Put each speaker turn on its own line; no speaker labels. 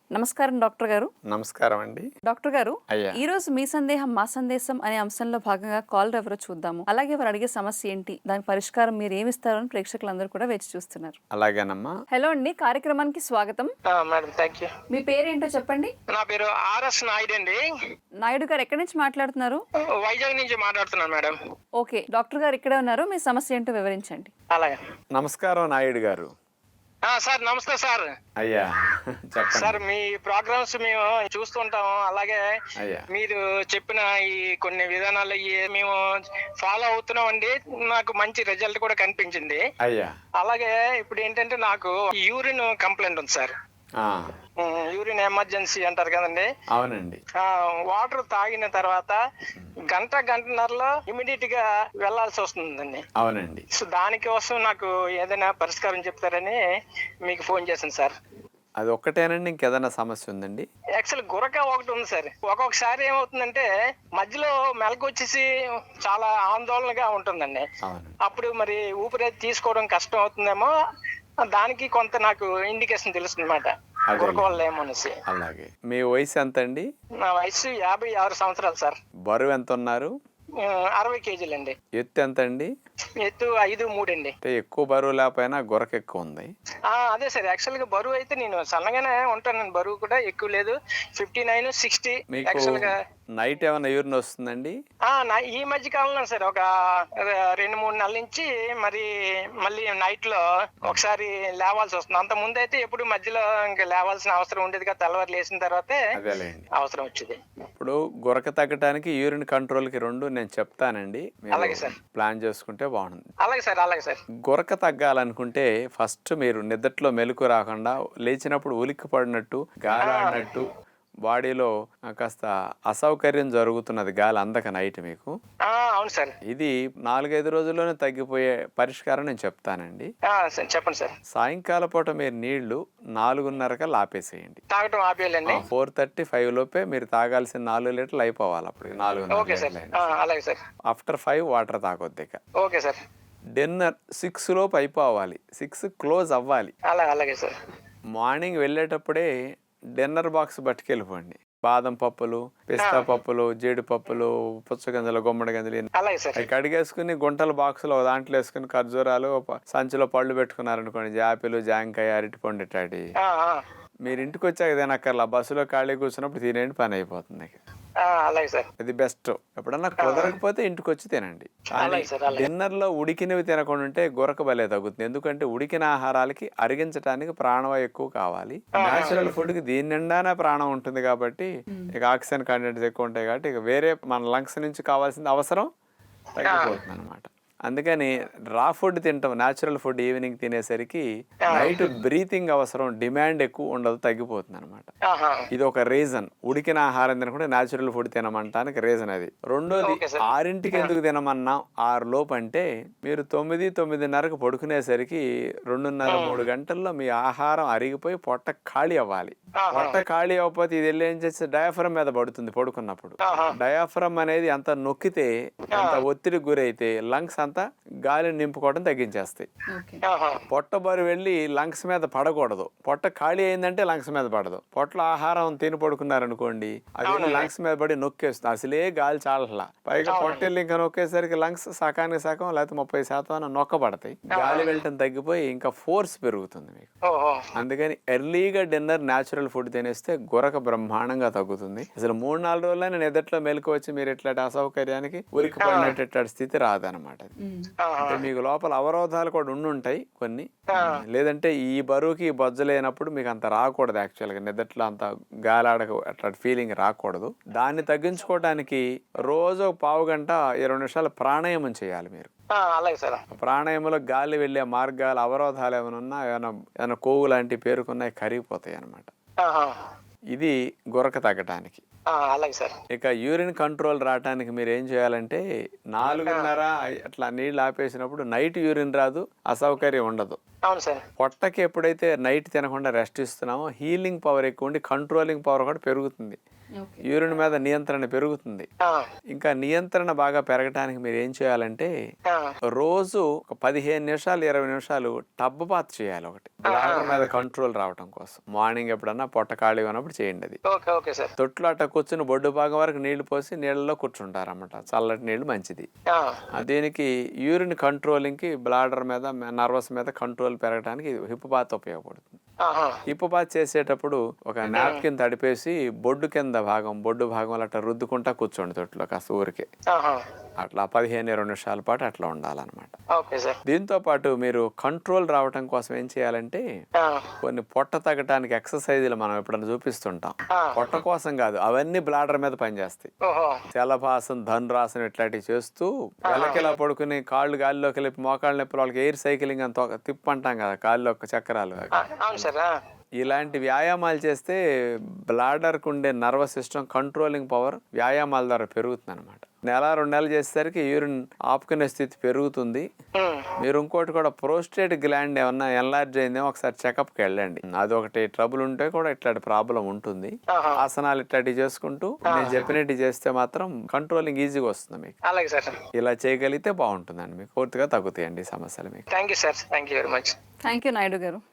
నమస్కారం డాక్టర్ గారు.
నమస్కారం అండి.
డాక్టర్ గారు,
అయ్యా.
ఈ రోజు మీ సందేహం మా సందేశం అనే అంశంలో భాగంగా కాల్ ఎవరో చూద్దాము. అలాగే వారు అడిగే సమస్య ఏంటి, దాని పరిష్కారం మీరు ఏమి ఇస్తారని ప్రేక్షకులందరూ కూడా వేచి చూస్తున్నారు.
అలాగేనమ్మా.
హలో అండి, కార్యక్రమానికి స్వాగతం.
Madam thank you.
మీ పేరేంటో చెప్పండి.
నా పేరు ఆర్ఎస్ నాయుడు అండి.
నాయుడు గారు ఎక్కడి నుంచి మాట్లాడుతున్నారు?
వైజాగ్ నుంచి మాట్లాడుతున్నాను మేడం.
ఓకే, డాక్టర్ గారు ఇక్కడే ఉన్నారు. మీ సమస్య ఏంటో వివరించండి.
అలాగే.
నమస్కారం నాయుడు గారు.
సార్ నమస్తే సార్.
అయ్యా చెప్పండి.
సార్ మీ ప్రోగ్రామ్స్ మేము చూస్తుంటాము. అలాగే
అయ్యా.
మీరు చెప్పిన ఈ కొన్ని విధానాలు మేము ఫాలో అవుతున్నాం అండి. నాకు మంచి రిజల్ట్ కూడా కనిపించింది.
అయ్యా.
అలాగే ఇప్పుడు ఏంటంటే నాకు యూరిన్ కంప్లైంట్ ఉంది సార్.
ఆ,
యూరిన్ ఎమర్జెన్సీ అంటారు కదండి.
అవునండి.
వాటర్ తాగిన తర్వాత గంటన్నరలో ఇమీడియట్ గా వెళ్లాల్సి వస్తుందండి.
అవునండి.
సో దానికోసం నాకు ఏదైనా పరిష్కారం చెప్తారని మీకు ఫోన్ చేశాను సార్.
అది ఒక్కటేనండి, ఇంకేదైనా సమస్య ఉందండి?
యాక్చువల్ గురక ఒకటి ఉంది సార్. ఒక్కొక్కసారి ఏమవుతుందంటే మధ్యలో మెలకు వచ్చేసి చాలా ఆందోళనగా ఉంటుందండి.
అవును.
అప్పుడు మరి ఊపిరి తీసుకోవడం కష్టం అవుతుందేమో, దానికి కొంత నాకు ఇండికేషన్ తెలుస్తుంది అనమాట, గురక వల్ల ఏమో అనేసి.
అలాగే. మీ వయసు ఎంత అండి?
నా వయసు 56 సంవత్సరాలు సార్.
బరువు ఎంత ఉన్నారు?
60 కేజీలండి.
ఎత్తు ఎంత అండి?
ఎత్తు 5'3" అండి.
అంటే ఎక్కువ బరువు లేకపోయినా గురక ఎక్కువ ఉంది.
అదే సార్, యాక్చువల్ గా బరువు అయితే నేను సన్నగానే ఉంటాను. బరువు కూడా ఎక్కువ లేదు, 59, 60
మీకు
యాక్చువల్ గా.
నైట్ ఏమైనా యూరిన్ వస్తుందండి?
ఈ మధ్య కాలంలో సార్ ఒక 2-3 నెలల నుంచి మళ్ళీ నైట్ లో ఒకసారి లేవాల్సి వస్తుంది. అంత ముందు అయితే ఎప్పుడు మధ్యలో ఇంకా లేవాల్సిన అవసరం ఉండేది కదా, తెల్లవారు లేచిన తర్వాతే
అదేలేండి
అవసరం వచ్చేది.
ఇప్పుడు గురక తగ్గడానికి యూరిన్ కంట్రోల్ కి రెండు నేను చెప్తానండి.
అలాగే సార్.
ప్లాన్ చేసుకుంటే బాగుంటుంది.
అలాగే సార్. అలాగే సార్.
గురక తగ్గాలనుకుంటే ఫస్ట్ మీరు నిద్రలో మెలకు రాకుండా లేచినప్పుడు ఉలిక్కి పడినట్టు, గాలి ఆడినట్టు, బాడీలో కాస్త అసౌకర్యం జరుగుతున్నది, గాలి అందక నైట్ మీకు.
అవును సార్.
ఇది 4-5 రోజుల్లోనే తగ్గిపోయే పరిష్కారం నేను చెప్తానండి.
చెప్పండి సార్.
సాయంకాల పూట మీరు నీళ్లు 4:30 ఆపేసేయండి.
తాగటం ఆపేయాలండి.
4:30-5 లోపే మీరు తాగాల్సిన 4 లీటర్లు అయిపోవాలి. అప్పుడు 4:30
సార్. అలాగే సార్.
ఆఫ్టర్ 5 వాటర్ తాగొద్దు ఇక.
Okay sir.
డిన్నర్ 6 లోపు అయిపోవాలి, 6 క్లోజ్ అవ్వాలి.
అలాగే సార్.
మార్నింగ్ వెళ్ళేటప్పుడే డిన్నర్ బాక్స్ పట్టుకెళ్ళిపోండి. బాదం పప్పులు, పిస్తా పప్పులు, జీడిపప్పులు, పుచ్చగింజలు, గుమ్మడి గింజలు అవి కడిగేసుకుని గుంటల బాక్సులో దాంట్లో వేసుకుని ఖర్జూరాలు సంచిలో పళ్ళు పెట్టుకున్నారనుకోండి, జాపిలు, జాంకాయ, అరటిపండు ఇట్లాంటి మీరు ఇంటికి వచ్చాక తినక్కర్లా, బస్సులో ఖాళీ కూర్చున్నప్పుడు తినేయండి, పని అయిపోతుంది.
అలాగే సార్.
ఇది బెస్ట్. ఎప్పుడన్నా కుదరకపోతే ఇంటికి వచ్చి తినండి. డిన్నర్ లో ఉడికినవి తినకుండా ఉంటే గురక బలే తగ్గుతుంది. ఎందుకంటే ఉడికిన ఆహారాలకి అరిగించడానికి ప్రాణవాయు ఎక్కువ కావాలి. నేచురల్ ఫుడ్ కి దీని నిండానే ప్రాణం ఉంటుంది కాబట్టి, ఇక ఆక్సిజన్ కంటెంట్స్ ఎక్కువ ఉంటాయి కాబట్టి ఇక వేరే మన లంగ్స్ నుంచి కావాల్సిన అవసరం తగ్గిపోతుంది అనమాట. అందుకని రా ఫుడ్ తింటాం, న్యాచురల్ ఫుడ్ ఈవినింగ్ తినేసరికి నైట్ బ్రీతింగ్ అవసరం, డిమాండ్ ఎక్కువ ఉండదు, తగ్గిపోతుంది అనమాట. ఇది ఒక రీజన్. ఉడికిన ఆహారం తినకుండా న్యాచురల్ ఫుడ్ తినమంటానికి రీజన్ అది. రెండోది, 6ంటికి ఎందుకు తినమన్నాం 6 లోపు అంటే, మీరు 9-9:30 పడుకునేసరికి 2.5-3 గంటల్లో మీ ఆహారం అరిగిపోయి పొట్ట ఖాళీ అవ్వాలి. పొట్ట ఖాళీ అవ్వకపోతే ఇది వెళ్ళి ఏం చేస్తే డయాఫ్రమ్ మీద పడుతుంది పడుకున్నప్పుడు. డయాఫ్రమ్ అనేది అంత నొక్కితే, అంత ఒత్తిడికి గురైతే లంగ్స్ అంతా గాలిని నింపుకోవడం తగ్గించేస్తాయి. పొట్ట బరువు వెళ్ళి లంగ్స్ మీద పడకూడదు. పొట్ట ఖాళీ అయిందంటే లంగ్స్ మీద పడదు. పొట్టలో ఆహారం తిని పడుకున్నారనుకోండి, అది లంగ్స్ మీద పడి నొక్కేస్తుంది. అసలే గాలి చాలట్లా, పైగా పొట్టెళ్ళి ఇంకా నొక్కేసరికి లంగ్స్ సకానికి సగం లేకపోతే 30% నొక్కబడతాయి. గాలి వెళ్ళటం తగ్గిపోయి ఇంకా ఫోర్స్ పెరుగుతుంది మీకు. అందుకని ఎర్లీగా డిన్నర్ న్యాచురల్ ఫుడ్ తినేస్తే గురక బ్రహ్మాండంగా తగ్గుతుంది. అసలు 3-4 రోజులైనా నిద్రలో మెలకు వచ్చి మీరు ఇట్లాంటి అసౌకర్యానికి ఉరికి పడినట్టు స్థితి రాదనమాట. అంటే మీకు లోపల అవరోధాలు కూడా ఉండుంటాయి కొన్ని. లేదంటే ఈ బరువుకి బొజ్జ లేనప్పుడు మీకు అంత రాకూడదు. యాక్చువల్గా నిద్రలో అంత గాలాడక అట్లాంటి ఫీలింగ్ రాకూడదు. దాన్ని తగ్గించుకోవడానికి రోజు 1/2 గంట 20 నిమిషాలు ప్రాణాయామం చేయాలి మీరు. ప్రాణాయామంలో గాలి వెళ్ళే మార్గాలు, అవరోధాలు ఏమైనా ఉన్నా, ఏమైనా కొవ్వు లాంటి పేరుకున్నాయి కరిగిపోతాయి అన్నమాట. ఇది గురక తగ్గటానికి. ఇక యూరిన్ కంట్రోల్ రావటానికి మీరు ఏం చేయాలంటే, 4:30 అట్లా నీళ్ళు ఆపేసినప్పుడు నైట్ యూరిన్ రాదు, అసౌకర్యం ఉండదు. పొట్టకి ఎప్పుడైతే నైట్ తినకుండా రెస్ట్ ఇస్తున్నామో హీలింగ్ పవర్ ఎక్కువ ఉండి కంట్రోలింగ్ పవర్ కూడా పెరుగుతుంది. యూరిన్ మీద నియంత్రణ పెరుగుతుంది.
ఆ,
ఇంకా నియంత్రణ బాగా పెరగడానికి మీరు ఏం చేయాలంటే
ఆ,
రోజు ఒక 15 నిమిషాలు 20 నిమిషాలు టబ్ బాత్ చేయాలి ఒకటి, బ్లాడర్ మీద కంట్రోల్ రావడం కోసం. మార్నింగ్ ఎప్పుడన్నా పొట్ట ఖాళీ ఉన్నప్పుడు చేయండి అది.
Okay okay sir.
తొట్లు అట్ట కూర్చుని బొడ్డు భాగం వరకు నీళ్లు పోసి నీళ్ళలో కూర్చుంటారన్నమాట. చల్లటి నీళ్లు మంచిది.
ఆ,
దీనికి యూరిన్ కంట్రోలింగ్కి, బ్లాడర్ మీద, నర్వస్ మీద కంట్రోల్ పెరగడానికి హిప్ బాత్ ఉపయోగపడుతుంది.
ఆహా,
హిప్ బాత్ చేసేటప్పుడు ఒక నాప్కిన్ తడిపేసి బొడ్డు కింద భాగం, బొడ్డు భాగంలో అట్లా రుద్దుకుంటా కూర్చోండి తొట్టులో కాస్త ఊరికే.
ఆహా,
అట్లా 15-20 నిమిషాల పాటు అట్లా ఉండాలన్నమాట.
Okay sir.
దీంతో పాటు మీరు కంట్రోల్ రావటం కోసం ఏం చేయాలంటే
ఆ,
కొన్ని పొట్ట తగ్గటానికి ఎక్సర్సైజులు మనం ఎప్పుడైనా చూపిస్తుంటాం.
ఆ,
పొట్ట కోసం కాదు, అవన్నీ బ్లాడర్ మీద పనిచేస్తాయి.
ఓహో,
శలభాసనం, ధనురాసనం ఇట్లాంటివి చేస్తూ వెలకిలా పడుకుని కాళ్ళు గాలిలోకి వెళ్ళి మోకాళ్ళ నొప్పులు, వాళ్ళకి ఎయిర్ సైక్లింగ్ అని తిప్పంటాం కదా కాళ్ళు చక్రాలు.
ఆ, అవును సార్. ఆ,
ఇలాంటి వ్యాయామాలు చేస్తే బ్లాడర్కు ఉండే నర్వస్ సిస్టమ్ కంట్రోలింగ్ పవర్ వ్యాయామాల ద్వారా పెరుగుతుంది అనమాట. 1-2 నెలలు చేసేసరికి యూరిన్ ఆపుకునే స్థితి పెరుగుతుంది.
ఉమ్,
మీరు ఇంకోటి కూడా, ప్రోస్టేట్ గ్లాండ్ ఏమన్నా ఎన్లార్జ్ అయిందేమో ఒకసారి చెకప్కి వెళ్ళండి. అదొకటి ట్రబుల్ ఉంటే కూడా ఇట్లాంటి ప్రాబ్లం ఉంటుంది.
ఆహా,
ఆసనాలు ఇట్లాంటివి చేసుకుంటూ నేను చెప్పినట్టు చేస్తే మాత్రం కంట్రోలింగ్ ఈజీగా వస్తుంది మీకు.
అలాగే సార్.
ఇలా చేయగలిగితే బాగుంటుందండి, మీకు పూర్తిగా తగ్గుతాయండి ఈ సమస్యలు మీకు.
Thank you sir. Thank you very much.
Thank you Naidu గారు.